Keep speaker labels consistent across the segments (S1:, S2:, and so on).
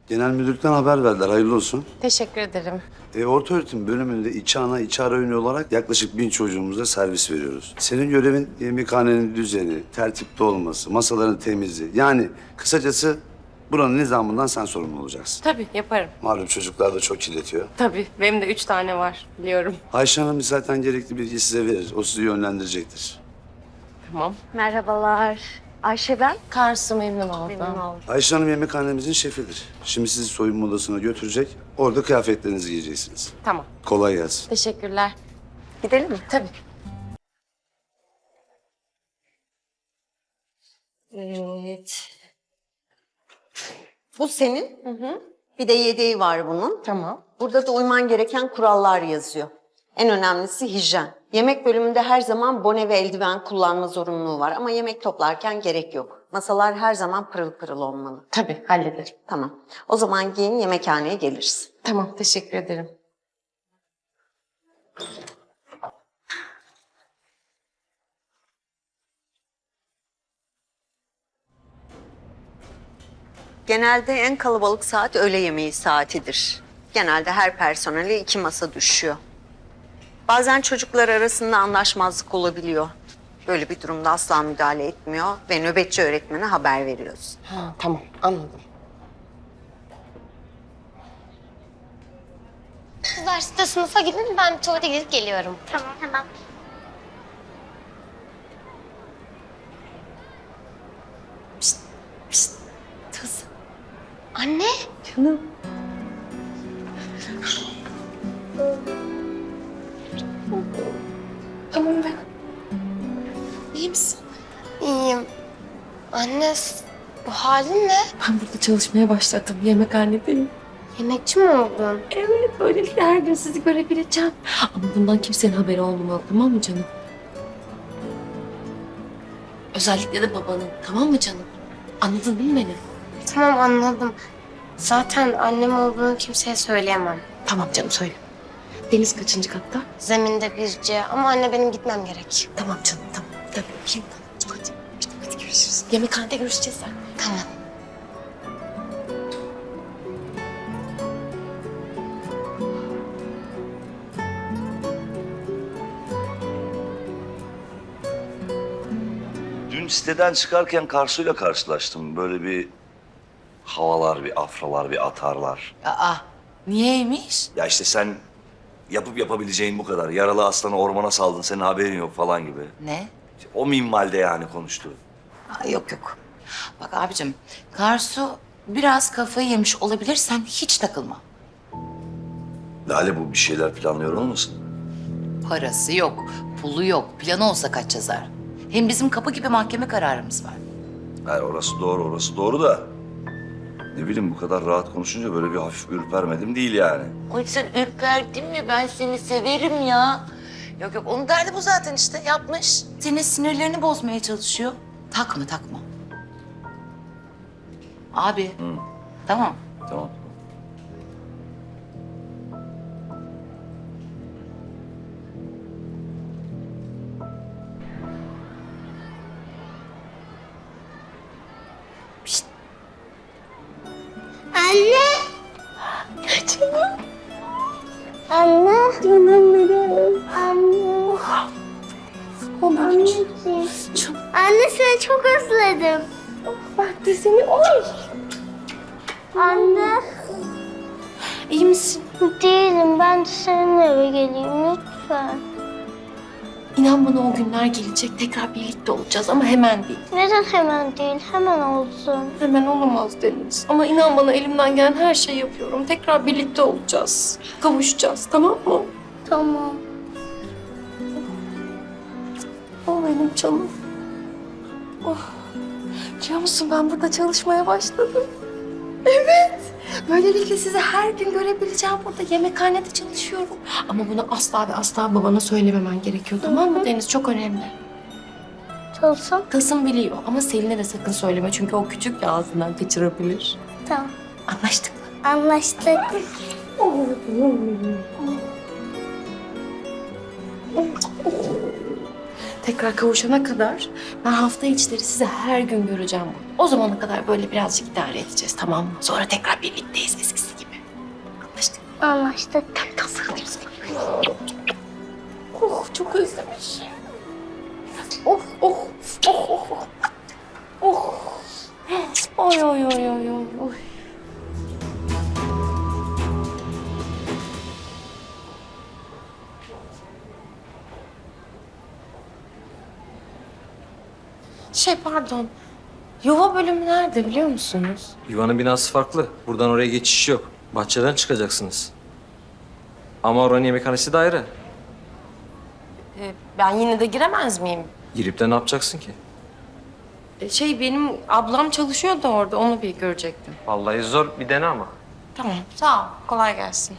S1: Genel müdürlükten haber verdiler. Hayırlı olsun.
S2: Teşekkür ederim.
S1: Ortaöğretim bölümünde içi ana, içi ara öğünü olarak yaklaşık 1000 çocuğumuza servis veriyoruz. Senin görevin yemekhanenin düzeni, tertipte olması, masaların temizliği. Yani kısacası buranın nizamından sen sorumlu olacaksın.
S2: Tabii yaparım.
S1: Malum çocuklar da çok kirletiyor.
S2: Tabii. Benim de 3 tane var biliyorum.
S1: Ayşe Hanım zaten gerekli bilgiyi size verir. O sizi yönlendirecektir.
S2: Tamam.
S3: Merhabalar. Ayşe ben.
S2: Karsu memnun oldum.
S3: Memnun oldum.
S1: Ayşe Hanım yemekhanemizin şefidir. Şimdi sizi soyunma odasına götürecek. Orada kıyafetlerinizi giyeceksiniz.
S2: Tamam.
S1: Kolay gelsin.
S2: Teşekkürler.
S3: Gidelim mi?
S2: Tabii.
S3: Evet. Bu senin. Bir de yedeği var bunun.
S2: Tamam.
S3: Burada da uyman gereken kurallar yazıyor. En önemlisi hijyen. Yemek bölümünde her zaman bone ve eldiven kullanma zorunluluğu var ama yemek toplarken gerek yok. Masalar her zaman pırıl pırıl olmalı.
S2: Tabii hallederim.
S3: Tamam. O zaman giyin yemekhaneye gelirsin.
S2: Tamam teşekkür ederim.
S3: Genelde en kalabalık saat öğle yemeği saatidir. Genelde her personele 2 masa düşüyor. Bazen çocuklar arasında anlaşmazlık olabiliyor. Böyle bir durumda asla müdahale etmiyor ve nöbetçi öğretmene haber veriyoruz.
S2: Ha, tamam anladım.
S4: Kızlar siz de sınıfa gidin, ben bir tuvalete gidip geliyorum. Tamam, hemen.
S2: Kız.
S4: Anne,
S2: Canım. Tamam ben. İyi misin?
S4: iyiyim. Anne, bu halin ne?
S2: Ben burada çalışmaya başladım. Yemekhanedeyim.
S4: Yemekçi mi oldun?
S2: Evet, böylelikle her gün sizi görebileceğim. Ama bundan kimsenin haberi olmamalı, tamam mı canım? Özellikle de babanın, tamam mı canım? Anladın değil mi beni?
S4: Tamam, anladım. Zaten annem olduğunu kimseye söyleyemem.
S2: Tamam canım, söyle. Deniz kaçıncı katta?
S4: Zeminde birce ama anne benim gitmem gerek.
S2: Tamam canım, tamam. Tabii, kim? Hadi, hadi görüşürüz. Yemekhanede görüşeceğiz sen.
S4: Tamam.
S5: Dün siteden çıkarken Karsu'yla karşılaştım. Böyle bir havalar, bir afralar, bir atarlar.
S6: Aa, niyeymiş?
S5: Ya işte sen yapıp yapabileceğin bu kadar. Yaralı aslanı ormana saldın, senin haberin yok falan gibi.
S6: Ne?
S5: İşte o minvalde yani konuştu.
S6: Aa, yok yok. Bak abicim, Karsu biraz kafayı yemiş olabilir, sen hiç takılma.
S5: Lale bu bir şeyler planlıyor olmasın?
S6: Parası yok, pulu yok, planı olsa kaç yazar? Hem bizim kapı gibi mahkeme kararımız var.
S5: Yani orası doğru, orası doğru da. Ne bileyim bu kadar rahat konuşunca böyle bir hafif ürpermedim değil yani.
S6: Ay sen ürperdin mi? Ben seni severim ya. Yok yok, onun derdi bu zaten işte, yapmış. Senin sinirlerini bozmaya çalışıyor. Takma, takma. Abi, tamam.
S5: Tamam.
S4: Anne! Canım. Anne. Canım benim. Anne. Anneciğim. Anne seni çok özledim.
S2: Ben de seni... Oy!
S4: Anne.
S2: İyi misin?
S4: Değilim. Ben de seninle eve geleyim lütfen.
S2: İnan bana o günler gelecek. Tekrar birlikte olacağız ama hemen değil.
S4: Neden hemen değil? Hemen olsun.
S2: Hemen olamaz Deniz. Ama inan bana elimden gelen her şeyi yapıyorum. Tekrar birlikte olacağız. Kavuşacağız, tamam mı?
S4: Tamam.
S2: O benim canım. Oh. Biliyor musun ben burada çalışmaya başladım. Evet. Böylelikle sizi her gün görebileceğim. Burada yemekhanede çalışıyorum. Ama bunu asla ve asla babana söylememen gerekiyor, tamam mı Deniz? Çok önemli.
S4: Olsun.
S2: Tasım biliyor ama Selin'e de sakın söyleme. Çünkü o küçük ya ağzından kaçırabilir.
S4: Tamam.
S2: Anlaştık mı?
S4: Anlaştık.
S2: tekrar kavuşana kadar ben hafta içleri sizi her gün göreceğim burada. O zamana kadar böyle birazcık idare edeceğiz, tamam mı? Sonra tekrar birlikteyiz eskisi gibi. Anlaştık mı?
S4: Anlaştık.
S2: Oh, çok özlemiş. Oh, oh, oh, oh, oh. Oh. Oy, oy, oy, oy, oy, oy. Pardon. Yuva bölümü nerede biliyor musunuz?
S7: Yuvanın binası farklı. Buradan oraya geçiş yok. Bahçeden çıkacaksınız. Ama oranın yemekhanesi de ayrı.
S2: Ben yine de giremez miyim?
S7: Girip de ne yapacaksın ki?
S2: Benim ablam çalışıyor da orada, onu bir görecektim.
S7: Vallahi zor bir dene ama.
S2: Tamam, sağ ol. Kolay gelsin.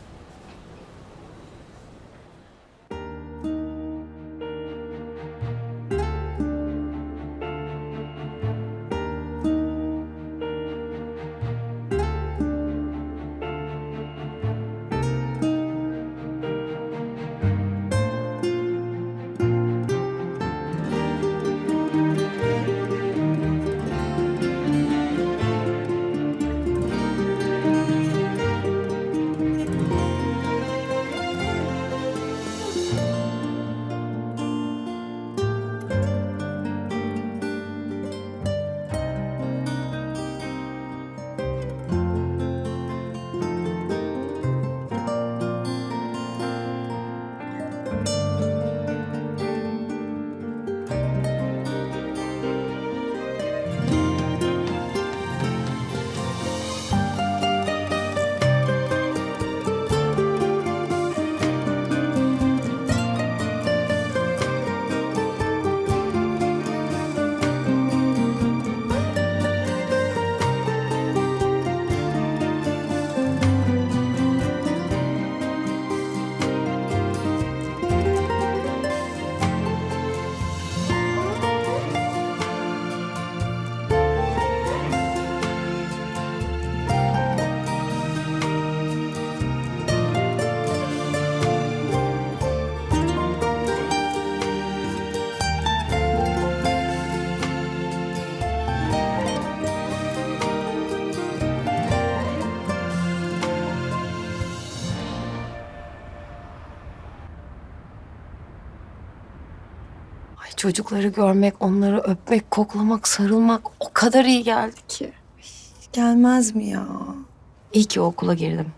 S2: Çocukları görmek, onları öpmek, koklamak, sarılmak o kadar iyi geldi ki.
S8: Gelmez mi ya?
S2: İyi ki okula girdim.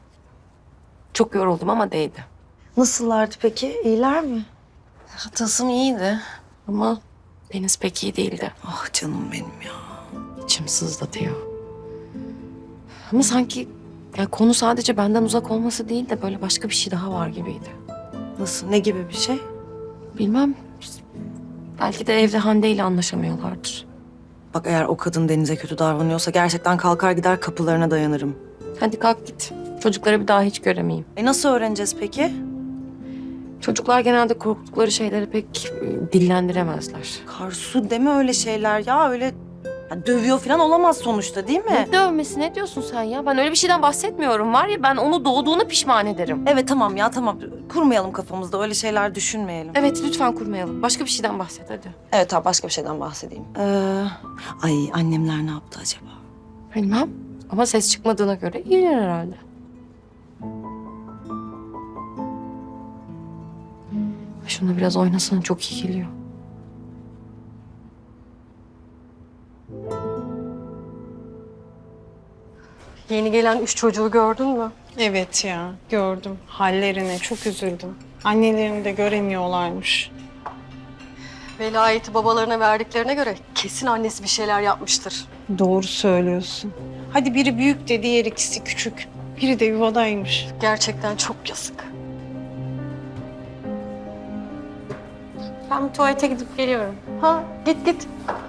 S2: Çok yoruldum ama değdi.
S8: Nasıllardı peki? İyiler mi?
S2: Tasım iyiydi ama Deniz pek iyi değildi.
S8: Ah canım benim ya.
S2: İçim sızlatıyor. Ama sanki konu sadece benden uzak olması değil de böyle başka bir şey daha var gibiydi.
S8: Nasıl? Ne gibi bir şey?
S2: Bilmem. Belki de evde Hande ile anlaşamıyorlardır.
S8: Bak eğer o kadın Deniz'e kötü davranıyorsa gerçekten kalkar gider kapılarına dayanırım.
S2: Hadi kalk git. Çocukları bir daha hiç göremeyeyim.
S8: Nasıl öğreneceğiz peki?
S2: Çocuklar genelde korktukları şeyleri pek dillendiremezler.
S8: Karsu deme öyle şeyler ya. Öyle ya, dövüyor falan olamaz sonuçta değil mi?
S2: Ne dövmesi, ne diyorsun sen ya? Ben öyle bir şeyden bahsetmiyorum. Var ya, ben onu doğduğuna pişman ederim.
S8: Evet tamam ya tamam. Kurmayalım kafamızda öyle şeyler düşünmeyelim.
S2: Evet, lütfen kurmayalım. Başka bir şeyden bahset hadi.
S8: Evet tamam başka bir şeyden bahsedeyim. Ay annemler ne yaptı acaba?
S2: Bilmem. Ama ses çıkmadığına göre iyiler herhalde. Şunu biraz oynasana, çok iyi geliyor. Yeni gelen 3 çocuğu gördün mü?
S9: Evet ya, gördüm. Hallerine çok üzüldüm. Annelerini de göremiyorlarmış.
S10: Velayeti babalarına verdiklerine göre kesin annesi bir şeyler yapmıştır.
S9: Doğru söylüyorsun. Hadi biri büyük de diğer ikisi küçük. Biri de yuvadaymış.
S10: Gerçekten çok yazık.
S2: Ben bir tuvalete gidip geliyorum.
S10: Ha, git git.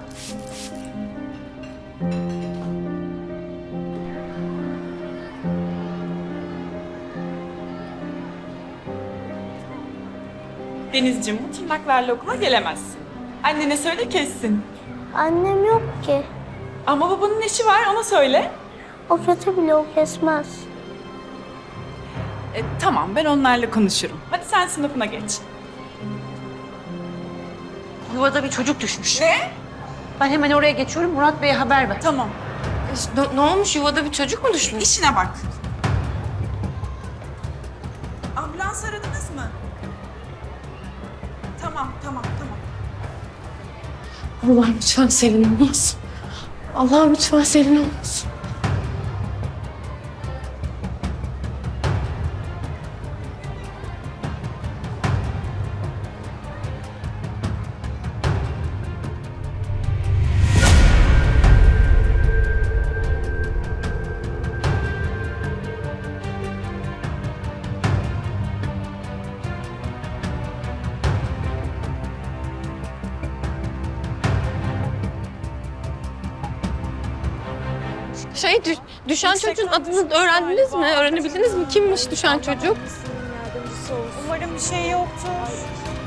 S11: Denizciğim, bu tırnaklarla okula gelemezsin. Annene söyle kessin.
S4: Annem yok ki.
S11: Ama babanın eşi var, ona söyle.
S4: O kötü bile o kesmez.
S11: Tamam, ben onlarla konuşurum. Hadi sen sınıfına geç.
S3: Yuvada bir çocuk düşmüş.
S11: Ne?
S3: Ben hemen oraya geçiyorum. Murat Bey'e haber ver.
S11: Tamam.
S2: Ne olmuş? Yuvada bir çocuk mu düşmüş?
S11: İşine bak. Ambulans aradınız mı? Tamam.
S2: Allah'ım lütfen Selin olmasın. Allah'ım lütfen Selin olmasın.
S10: Düşen çocuğun adını öğrendiniz mi? Öğrenebildiniz mi? Kimmiş düşen çocuk?
S9: Umarım bir şey yoktur.